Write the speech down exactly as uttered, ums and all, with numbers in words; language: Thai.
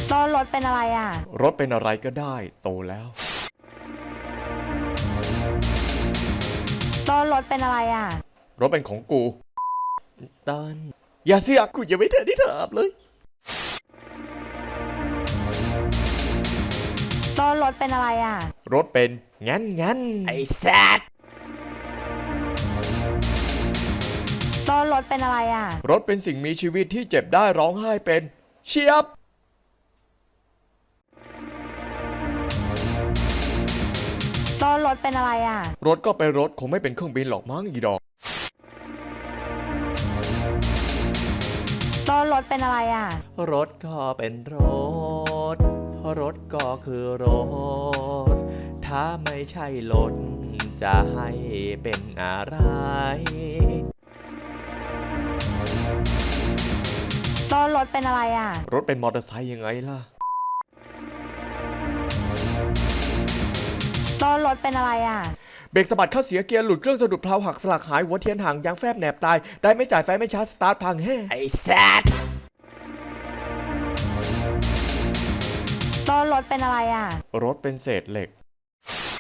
ต้นรถเป็นอะไรอ่ะรถเป็นอะไรก็ได้โตแล้วต้นรถเป็นอะไรอ่ะรถเป็นของกูตันอย่าเสียกูยังไม่ทันได้ถามเลยต้นรถเป็นอะไรอ่ะรถเป็นงั้นงั้นไอ้สัตว์ต้นรถเป็นอะไรอ่ะรถเป็นสิ่งมีชีวิตที่เจ็บได้ร้องไห้เป็นเชียบต้นรถเป็นอะไรอ่ะรถก็เป็นรถคงไม่เป็นเครื่องบินหรอกมั้งอีดอกต้นรถเป็นอะไรอ่ะรถก็เป็นรถรถก็คือรถถ้าไม่ใช่รถจะให้เป็นอะไรต้นรถเป็นอะไรอ่ะรถเป็นมอเตอร์ไซค์ยังไงล่ะต้นรถเป็นอะไรอ่ะเบรกสะบัดเข้าเสียเกียร์หลุดเครื่องสะดุดเพลาหักสลักหายหัวเทียนห่างยางแฟบแหนบตายได้ไม่จ่ายไฟไม่ชาร์จสตาร์ทพังแฮ่ไอ้สัตว์ต้นรถเป็นอะไรอ่ะรถเป็นเศษเหล็ก